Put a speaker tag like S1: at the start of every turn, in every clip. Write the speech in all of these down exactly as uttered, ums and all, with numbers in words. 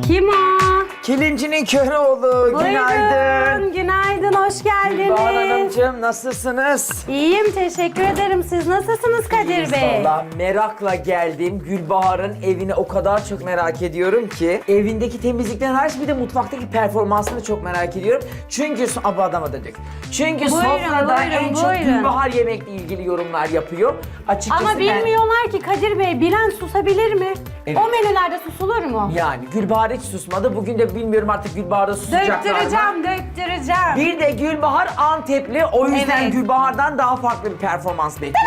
S1: Kim o?
S2: Kilimcinin Köroğlu, günaydın.
S1: Buyurun, günaydın, hoş geldiniz.
S2: Bahar Hanımcığım, nasılsınız?
S1: İyiyim, teşekkür ederim. Siz nasılsınız Kadir Bey?
S2: Valla merakla geldim. Gülbahar'ın evini o kadar çok merak ediyorum ki. Evindeki temizlikten hariç bir de mutfaktaki performansını çok merak ediyorum. Çünkü, aba adama dedik. Çünkü
S1: Buyurun,
S2: sofrada
S1: buyurun,
S2: en çok
S1: buyurun.
S2: Gülbahar yemekle ilgili yorumlar yapıyor. Açıkçası
S1: Ama
S2: ben-
S1: bilmiyorlar ki Kadir Bey, bilen susabilir mi?
S2: Evet.
S1: O menülerde susulur mu?
S2: Yani Gülbahar hiç susmadı. Bugün de bilmiyorum artık Gülbahar'da susacaklar mı?
S1: Döktüreceğim, döktüreceğim.
S2: Bir de Gülbahar Antepli. O yüzden
S1: Evet.
S2: Gülbahar'dan daha farklı bir performans bekliyor.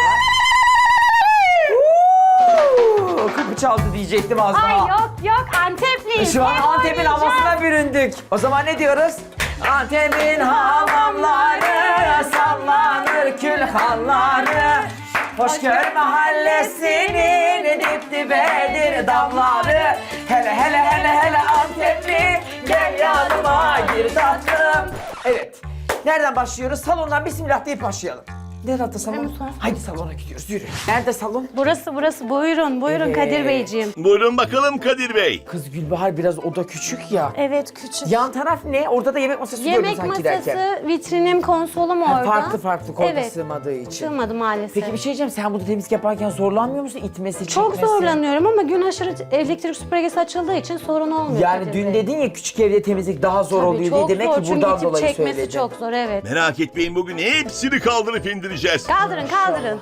S2: Uuu, Kapı çaldı diyecektim az daha.
S1: Ay yok yok, Antepliyiz.
S2: Şu an
S1: Hep
S2: Antep'in
S1: oynayacağız.
S2: havasına büründük. O zaman ne diyoruz? Antep'in hamamları sallanır külhanları. Hoşgör mahallesinin dip dibedir damları. Hele hele hele hele Antepli gel yanıma gir tatlım. Evet. Nereden başlıyoruz? Salondan bismillah deyip başlayalım. Nerede salon?
S1: Hemen sonra.
S2: Haydi salona gidiyoruz, yürü. Nerede salon?
S1: Burası burası, buyurun buyurun
S2: Evet.
S1: Kadir Beyciğim.
S3: Buyurun bakalım Kadir Bey.
S2: Kız Gülbahar biraz oda küçük ya.
S1: Evet, küçük.
S2: Yan taraf ne? Orada da yemek masası gördüm
S1: Yemek
S2: sanki
S1: masası,
S2: derken.
S1: vitrinim, konsolum
S2: Ha,
S1: orada.
S2: farklı farklı koyda
S1: Evet.
S2: sığmadığı için.
S1: Sığmadı maalesef.
S2: Peki bir şey diyeceğim, sen burada temizlik yaparken zorlanmıyor musun? İtmesi,
S1: Çok
S2: çekmesi?
S1: zorlanıyorum ama gün aşırı elektrik süpürgesi açıldığı için sorun olmuyor.
S2: Yani
S1: Kadir
S2: dün
S1: Bey.
S2: dedin ya küçük evde temizlik daha zor
S1: Tabii,
S2: oluyor diye,
S1: çok
S2: demek
S1: zor.
S2: ki
S1: Çünkü
S2: buradan
S1: itip
S2: dolayı
S1: çekmesi
S2: söyledin.
S1: çok zor, evet.
S3: Merak etmeyin, bugün hepsini kaldırıp indireceğiz.
S1: Kaldırın kaldırın.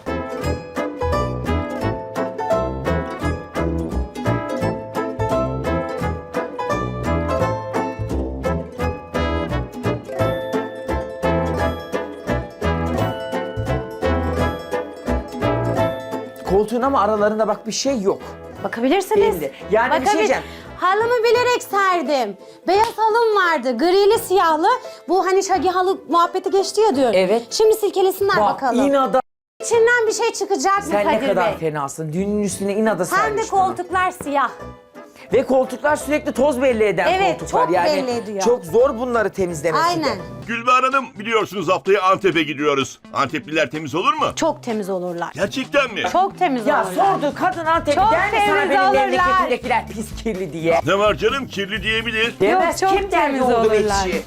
S2: Koltuğun ama aralarında bak bir şey yok.
S1: Bakabilirsiniz.
S2: Belli. Yani bir şey
S1: Bakabil-
S2: diyeceğim.
S1: Halımı bilerek serdim. Beyaz halım vardı, grili siyahlı. Bu hani şagi halı muhabbeti geçti ya diyor.
S2: Evet.
S1: Şimdi silkelesinler
S2: Bak
S1: bakalım.
S2: inada
S1: İçinden bir şey çıkacak mı
S2: sen ne
S1: Kadir
S2: kadar
S1: Bey?
S2: fenasın. Dünün üstüne inada
S1: Hem de
S2: sermiş bunu.
S1: koltuklar siyah.
S2: Ve koltuklar sürekli toz belli eden
S1: Evet,
S2: koltuklar.
S1: çok
S2: yani
S1: belli ediyor.
S2: çok zor bunları temizlemesi de.
S1: Aynen.
S3: Gülbahar Hanım, biliyorsunuz haftaya Antep'e gidiyoruz. Antepliler temiz olur mu?
S1: Çok temiz olurlar.
S3: Gerçekten mi?
S1: Çok temiz
S2: Ya
S1: olurlar.
S2: sordu kadın Antep'i
S1: Çok
S2: der mi sana
S1: temiz
S2: benim
S1: olurlar.
S2: memleketimdekiler pis kirli diye?
S3: Ne var canım, kirli diyebilir.
S2: Demez,
S1: çok
S2: kim der
S1: temiz
S2: yoğurdu
S1: olurlar.
S2: ekşi?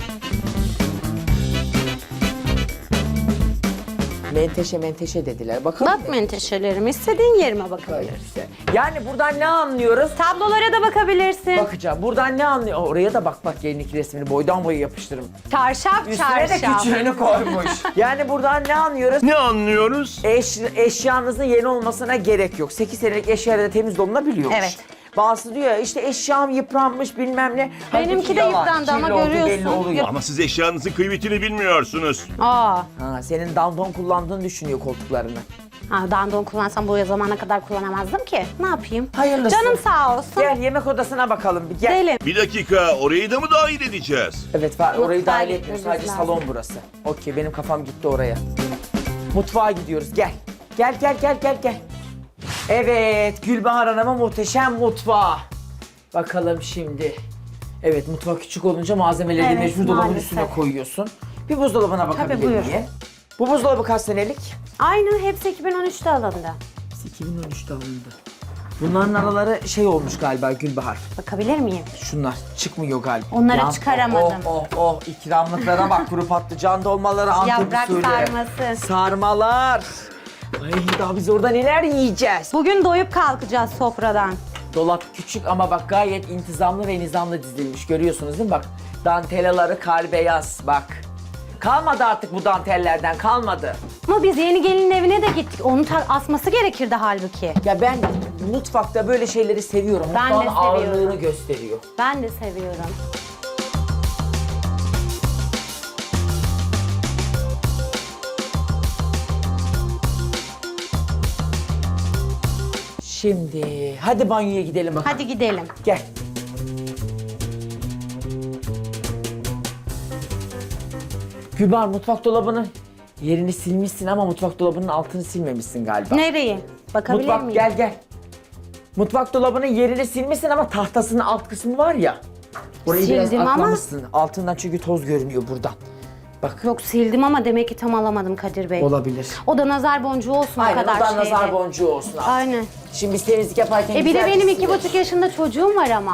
S2: Menteşe menteşe dediler. Bakalım.
S1: Bak menteşelerimi istediğin yerime bakabilirsin.
S2: işte. Yani buradan ne anlıyoruz?
S1: Tablolara da bakabilirsin.
S2: Bakacağım. Buradan ne anlıyor? Oraya da bak bak gelindeki resmini boydan boya yapıştırın.
S1: Çarşaf
S2: Üstüne de
S1: çarşaf.
S2: küçüğünü koymuş. Yani buradan ne anlıyoruz?
S3: Ne anlıyoruz?
S2: Eş, eşyanızın yeni olmasına gerek yok. sekiz senelik eşyayla da temiz dolunabiliyormuş.
S1: Evet.
S2: Bazısı diyor ya işte eşyam yıpranmış bilmem ne.
S1: Benimki
S2: Halbuki
S1: de
S2: yalan.
S1: yıprandı ama
S2: Kirli olduğu
S1: görüyorsun.
S2: belli oluyor.
S3: Ama siz eşyanızın kıymetini bilmiyorsunuz.
S1: Aa.
S2: Ha, senin dandon kullandığını düşünüyor koltuklarını.
S1: Ha, dandon kullansam bu zamana kadar kullanamazdım ki. Ne yapayım?
S2: Hayırlısı.
S1: Canım sağ olsun.
S2: Gel yemek odasına bakalım bir gel.
S1: Gidelim.
S3: Bir dakika, orayı da mı dahil edeceğiz?
S2: Evet var, orayı
S1: Mutfağa
S2: dahil etmiyoruz.
S1: gitmemiz
S2: Sadece
S1: lazım.
S2: salon burası. Okey, benim kafam gitti oraya. Mutfağa gidiyoruz, gel. Gel, gel, gel, gel, gel. Evet, Gülbahar Hanım'a muhteşem mutfağı. Bakalım şimdi. Evet, mutfak küçük olunca malzemeleri de
S1: Evet,
S2: mecbur dolabın
S1: maalesef.
S2: üstüne koyuyorsun. Bir buzdolabına bakabilir
S1: buyur.
S2: miyim? Bu buzdolabı kaç senelik?
S1: Aynı hepsi iki bin on üçte alındı.
S2: iki bin on üçte alındı. Bunların araları şey olmuş galiba Gülbahar.
S1: Bakabilir miyim?
S2: Şunlar çıkmıyor galiba.
S1: Onları çıkaramadım.
S2: Oh oh oh ikramlıklara bak, kuru patlıcan dolmaları, Antep
S1: Yaprak
S2: usulü.
S1: sarması.
S2: Sarmalar. Ay daha biz orada neler yiyeceğiz?
S1: Bugün doyup kalkacağız sofradan.
S2: Dolap küçük ama bak gayet intizamlı ve nizamlı dizilmiş. Görüyorsunuz değil mi? Bak dantelaları kar beyaz bak. Kalmadı artık bu dantellerden, kalmadı.
S1: Ama biz yeni gelinin evine de gittik. Onu ta- asması gerekirdi halbuki.
S2: Ya ben mutfakta böyle şeyleri seviyorum.
S1: Ben de
S2: Mutfağın
S1: seviyorum.
S2: ağırlığını gösteriyor.
S1: Ben de seviyorum.
S2: Şimdi hadi banyoya gidelim bakalım.
S1: Hadi gidelim.
S2: Gel. Gülbahar mutfak dolabının yerini silmişsin ama mutfak dolabının altını silmemişsin galiba.
S1: Nereyi? Bakabilir
S2: Mutfak
S1: miyim?
S2: gel gel. Mutfak dolabının yerini silmişsin ama tahtasının alt kısmı var ya. Orayı biraz
S1: Sildim ama-
S2: atlamışsın. Altından çünkü toz görünüyor buradan. Bak
S1: Yok sildim ama demek ki tam alamadım Kadir Bey.
S2: olabilir.
S1: O da nazar boncuğu olsun o
S2: Aynen
S1: kadar
S2: oradan
S1: şeyde.
S2: nazar boncuğu olsun abi.
S1: Aynen.
S2: Şimdi biz temizlik yaparken
S1: E bir de
S2: güzel
S1: benim iki
S2: silelim.
S1: buçuk yaşında çocuğum var ama.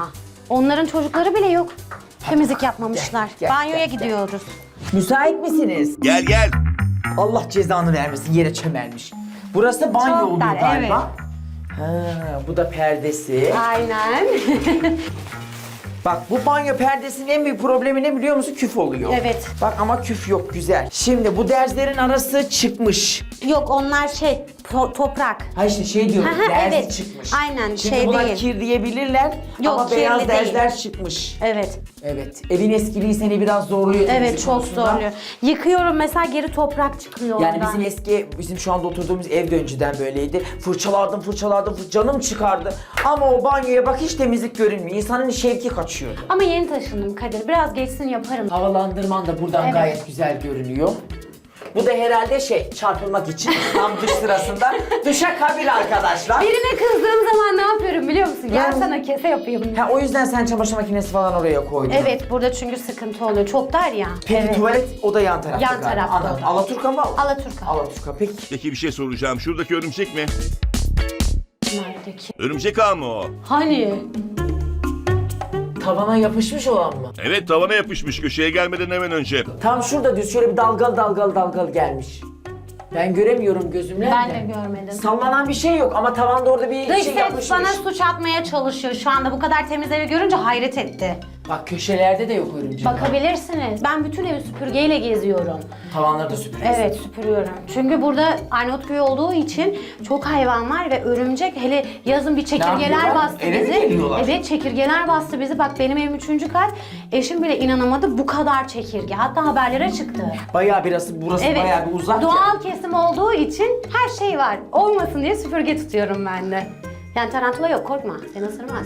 S1: Onların çocukları bile yok. Temizlik yapmamışlar.
S2: Gel, gel,
S1: Banyoya
S2: gel, gel.
S1: gidiyoruz.
S2: Müsait misiniz?
S3: Gel gel.
S2: Allah cezanı vermesin, yere çömelmiş. Burası banyo
S1: Çok
S2: oluyor
S1: dar,
S2: galiba. Ha, bu da perdesi.
S1: Aynen.
S2: Bak bu banyo perdesinin en büyük problemi ne biliyor musun? Küf oluyor.
S1: Evet.
S2: Bak ama küf yok, güzel. Şimdi bu derzlerin arası çıkmış.
S1: Yok onlar şey to- toprak.
S2: Ha işte şey diyorum,
S1: Aha,
S2: derzi
S1: evet.
S2: çıkmış.
S1: Aynen,
S2: Şimdi
S1: şey
S2: buna
S1: değil.
S2: kir diyebilirler
S1: Yok,
S2: ama beyaz
S1: kirli değil.
S2: derzler çıkmış.
S1: Evet.
S2: Evet, evin eskiliği seni biraz zorluyor.
S1: Evet
S2: temizlik
S1: çok
S2: konusunda.
S1: zorluyor. Yıkıyorum mesela geri toprak çıkıyor
S2: Yani
S1: oradan.
S2: bizim eski, bizim şu anda oturduğumuz ev de önceden böyleydi. Fırçalardım, fırçalardım, fır- canım çıkardı. Ama o banyoya bak hiç temizlik görünmüyor. İnsanın şevki kaçıyor.
S1: Ama yeni taşındım Kadir. Biraz geçsin yaparım.
S2: Havalandırman da buradan
S1: Evet.
S2: gayet güzel görünüyor. Bu da herhalde şey, çarpılmak için tam dış sırasında duşa kabil arkadaşlar.
S1: Birine kızdığım zaman ne yapıyorum biliyor musun? Gel
S2: Yani-
S1: sana kese yapayım.
S2: Ha, o yüzden sen çamaşır makinesi falan oraya koydun.
S1: Evet burada çünkü sıkıntı oluyor. Çok dar ya.
S2: Peki
S1: evet.
S2: tuvalet o da yan tarafta
S1: Yan
S2: galiba.
S1: tarafta
S2: Anladım.
S1: o da.
S2: Alaturka mı?
S1: Alaturka.
S2: Alaturka. Peki.
S3: Peki bir şey soracağım. Şuradaki örümcek mi?
S1: Neredeki?
S3: Örümcek ağı mı o?
S1: Hani?
S2: Tavana yapışmış olan mı?
S3: Evet, tavana yapışmış köşeye gelmeden hemen önce.
S2: Tam şurada düz şöyle bir dalgalı dalgalı dalgalı gelmiş. Ben göremiyorum gözümle.
S1: Ben de görmedim.
S2: Sallanan bir şey yok ama tavanda orada bir
S1: Dış
S2: şey
S1: ses
S2: yapışmış.
S1: bana suç atmaya çalışıyor şu anda. Bu kadar temiz evi görünce hayret etti.
S2: Bak köşelerde de yok örümcek.
S1: Bakabilirsiniz. Ben bütün evi süpürgeyle geziyorum.
S2: Tavanları da süpürüyorsun.
S1: Evet süpürüyorum. Çünkü burada Arnavutköy olduğu için çok hayvan var ve örümcek hele yazın bir çekirgeler
S2: yapıyorlar?
S1: bastı
S2: Eve mi
S1: bizi.
S2: geliyorlar?
S1: Evet çekirgeler bastı bizi. Bak benim evim üçüncü kat. Eşim bile inanamadı bu kadar çekirge. Hatta haberlere çıktı.
S2: Bayağı burası, burası
S1: Evet.
S2: bayağı bir uzak. ya.
S1: Doğal kesim olduğu için her şey var. Olmasın diye süpürge tutuyorum ben de. Yani tarantula yok korkma. Seni ısırmaz.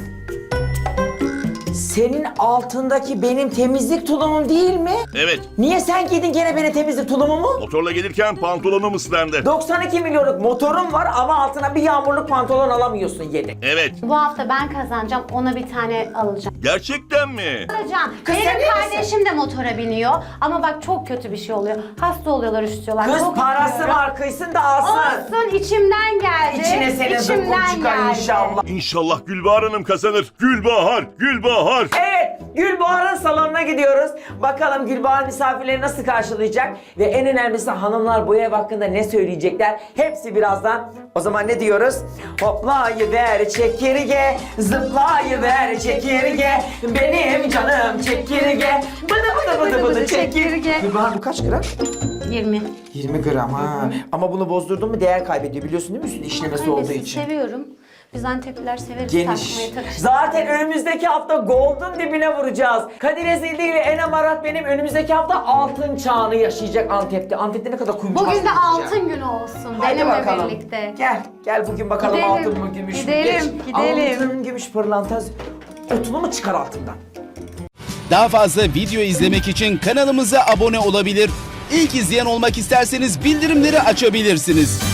S2: Senin altındaki benim temizlik tulumum değil mi?
S3: Evet.
S2: Niye sen giydin gene benim temizlik tulumumu?
S3: Motorla gelirken pantolonum ıslandı.
S2: doksan iki milyonluk motorum var ama altına bir yağmurluk pantolon alamıyorsun yedek.
S3: Evet.
S1: Bu hafta ben kazanacağım. Ona bir tane alacağım.
S3: Gerçekten mi?
S1: Alacağım.
S2: Kız sen
S1: Benim
S2: iyi
S1: kardeşim de motora biniyor. Ama bak çok kötü bir şey oluyor. Hasta oluyorlar, üşütüyorlar.
S2: Kız
S1: Çok
S2: parası
S1: üzülüyorum.
S2: var kıysın da alsın.
S1: Olsun içimden geldi.
S2: İçine senin zıkkım
S1: İçimden
S2: çıkar
S1: geldi.
S2: inşallah.
S3: İnşallah Gülbahar Hanım kazanır. Gülbahar, Gülbahar.
S2: Evet, Gülbahar'ın salonuna gidiyoruz. Bakalım Gülbahar misafirleri nasıl karşılayacak? Ve en önemlisi hanımlar bu ev hakkında ne söyleyecekler? Hepsi birazdan. O zaman ne diyoruz? Hoplayıver çekirge, zıplayıver çekirge, benim canım çekirge, bıdı bıdı bıdı bıdı çekirge. Gülbahar bu kaç gram?
S1: yirmi.
S2: yirmi gram ha. Ama bunu bozdurdun mu değer kaybediyor biliyorsun değil mi üstünde işlemesi olduğu
S1: Annesi
S2: için.
S1: seviyorum. Biz Antepliler severiz
S2: Geniş.
S1: takmayı takıştırmayı.
S2: Zaten önümüzdeki hafta Gold'un dibine vuracağız. Kadir Ezildi ile Enem Arat benim önümüzdeki hafta altın çağını yaşayacak Antep'te. Antep'te ne kadar kuyumcu
S1: Bugün de
S2: bastıracak.
S1: altın günü olsun
S2: Haydi
S1: benimle
S2: bakalım.
S1: birlikte.
S2: Gel, gel bugün bakalım
S1: Gidelim,
S2: altın mı gümüş mü?
S1: gidelim,
S2: Geç.
S1: gidelim.
S2: Altın, gümüş, pırlanta, otunu mu çıkar altından?
S4: Daha fazla video izlemek için kanalımıza abone olabilir. İlk izleyen olmak isterseniz bildirimleri açabilirsiniz.